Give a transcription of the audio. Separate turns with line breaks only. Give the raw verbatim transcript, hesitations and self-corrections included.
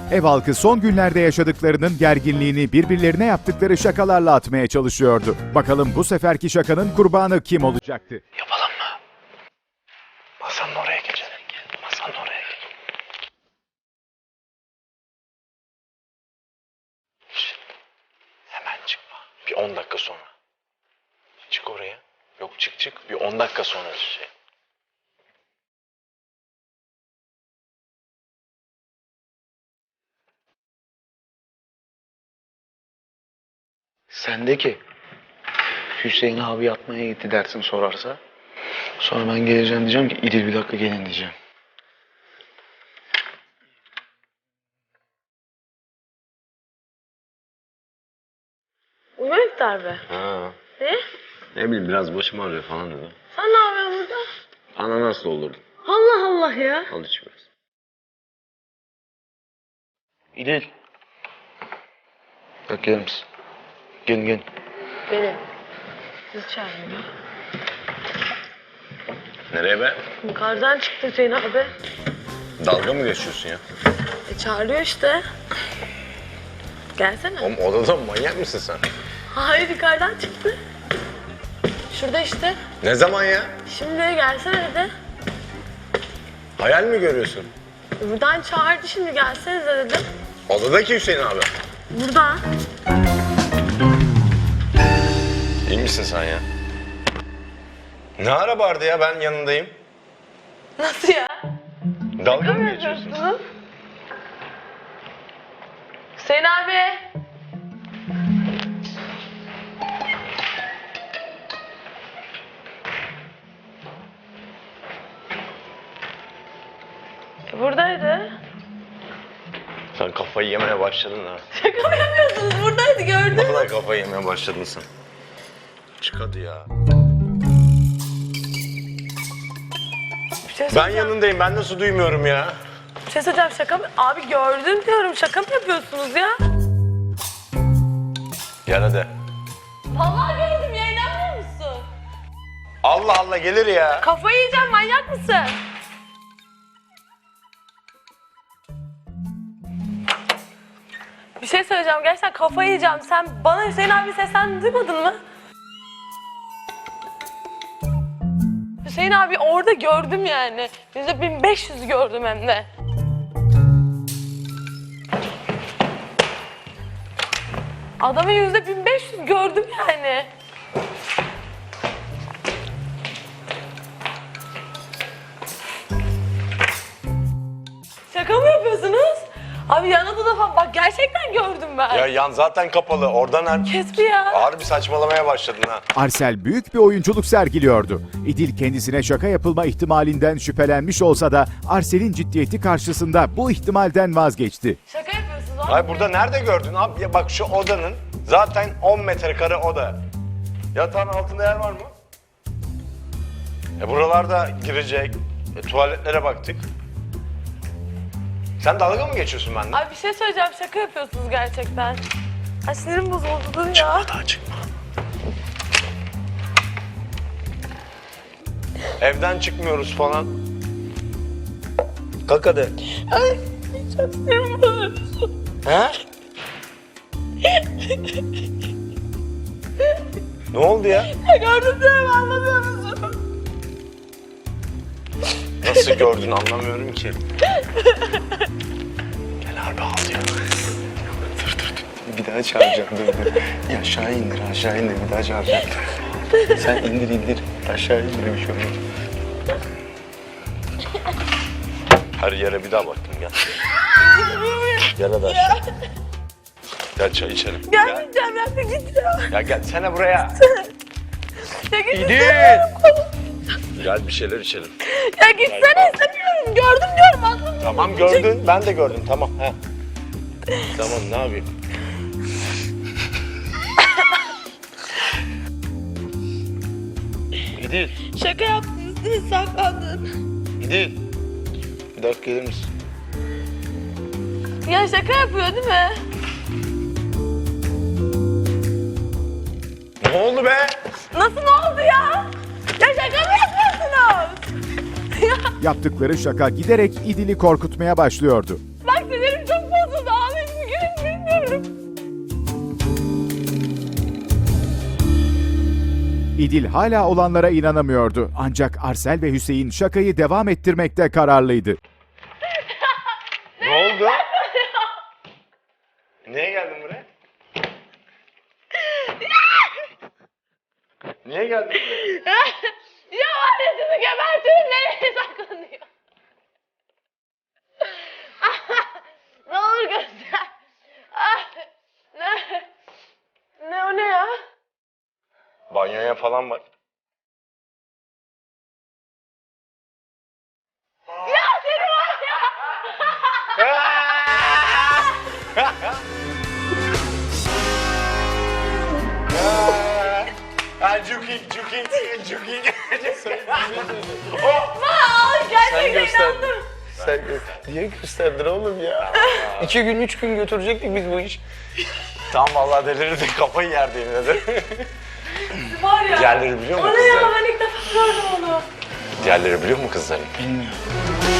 Ev halkı son günlerde yaşadıklarının gerginliğini birbirlerine yaptıkları şakalarla atmaya çalışıyordu. Bakalım bu seferki şakanın kurbanı kim olacaktı?
Yapalım mı? Masanın oraya geçelim. Masanın oraya geçelim. Şşt. Hemen çıkma. Bir on dakika sonra. Çık oraya. Yok çık çık. Bir on dakika sonra şey. Sen de ki Hüseyin abi yatmaya gitti dersin sorarsa. Sonra ben geleceğim diyeceğim ki İdil bir dakika gelin diyeceğim.
Uyumak darbe.
Ha.
Ne?
Ne bileyim biraz başım ağrıyor falan dedi.
Sen ne yapıyorsun burada?
Ananas doldurdum.
Allah Allah ya.
Al iç biraz. İdil. Bak gelir misin? Gelin gelin.
Benim. Kız çağırıyor.
Nereye be?
Yukarıdan çıktı Hüseyin abi.
Dalga mı geçiyorsun ya?
E çağırıyor işte. Gelsene.
Oğlum odada mı manyak mısın sen?
Hayır yukarıdan çıktı. Şurada işte.
Ne zaman ya?
Şimdi gelsene dedi.
Hayal mi görüyorsun?
Buradan çağırdı şimdi gelsenize dedim.
Odadaki Hüseyin abi.
Burada.
İyi misin sen ya? Ne ara vardı ya ben yanındayım.
Nasıl ya?
Dalga mı geçiyorsun?
Yapıyorsunuz? Hüseyin abi. E, buradaydı.
Sen kafayı yemeye başladın ha.
Şaka mı yapıyorsunuz? Buradaydı gördüm.
Vallahi kafayı yemeye başladın sen. Çık hadi ya.
Bir şey
Ben
söyleyeceğim.
yanındayım ben nasıl duymuyorum ya?
Bir şey söyleyeceğim şaka mı? Abi gördüm diyorum şaka mı yapıyorsunuz ya?
Gel hadi.
Vallahi gördüm ya inanmıyor musun?
Allah Allah gelir ya.
Kafayı yiyeceğim manyak mısın? Bir şey söyleyeceğim gerçekten kafayı yiyeceğim. Sen bana Hüseyin abi seslendi duymadın mı? Hüseyin abi orada gördüm yani. Yüzde bin beş yüz gördüm hem de. Adamı yüzde bin beş yüz gördüm yani. Şaka mı yapıyorsunuz? Abi yan odada falan bak gerçekten gördüm ben.
Ya yan zaten kapalı oradan her...
Kes bir ya.
Harbi saçmalamaya başladın ha.
Arsel büyük bir oyunculuk sergiliyordu. İdil kendisine şaka yapılma ihtimalinden şüphelenmiş olsa da Arsel'in ciddiyeti karşısında bu ihtimalden vazgeçti.
Şaka yapıyorsunuz.
Ay burada nerede gördün abi? Ya bak şu odanın zaten on metrekare oda. Yatağın altında yer var mı? E buralarda girecek. E, tuvaletlere baktık. Sen dalga mı geçiyorsun benden?
Abi bir şey söyleyeceğim şaka yapıyorsunuz gerçekten. Ay sinirim bozuldu dur ya.
Çıkma daha çıkma. Evden çıkmıyoruz falan. Kalk hadi.
Ay çok sinirim bozuldu.
He? Ne oldu ya?
Ya gördüm diyorum anlamıyor musun?
Nasıl gördün anlamıyorum ki. Gel harbi ağlıyor. Dur dur dur. Bir daha çağıracağım dur dur. Ya aşağı indir aşağı indir bir daha çağıracağım. Sen indir indir. Aşağı indir bir şey olmaz. Her yere bir daha baktım gel. Gel hadi aşağı. Gel çay içelim.
Gelmeyeceğim ben de gideceğim.
Ya gel sana buraya.
Ya git
İdil.
istemiyorum.
Gel bir şeyler içelim.
Ya gitsene istemiyorum. Gördüm diyorum aslında.
Tamam gördün ben de gördüm tamam. He. Tamam ne yapayım? İdil.
Şaka yaptınız değil saklandın.
İdil. Bir dakika gelir misin?
Ya şaka yapıyor değil mi?
Ne oldu be?
Nasıl ne oldu ya? Ya şaka mı yapıyorsunuz? Ya
Yaptıkları şaka giderek İdil'i korkutmaya başlıyordu.
bak sinirim çok bozuldu
İdil hala olanlara inanamıyordu. Ancak Arsel ve Hüseyin şakayı devam ettirmekte kararlıydı.
Ne oldu? Niye geldin buraya? Niye geldin buraya?
Ya var ya sizi gebertirim, nereye saklanıyor? Ne olur göster. Ah, ne? Ne o ne ya?
Banyoya falan bak.
Ya seni var ya.
Ha, Juking, Juking, Juking.
Aa, gerçekten
göster.
inandım.
Sen niye gösterdin oğlum ya? İki gün, üç gün götürecektik biz bu iş. Tam vallahi delirirdik, kafayı yerdi yine de.
Var ya.
Diğerleri biliyor mu
O ne ya,
kızlar?
ben ilk defa gördüm onu.
Diğerleri biliyor mu kızların?
Bilmiyorum.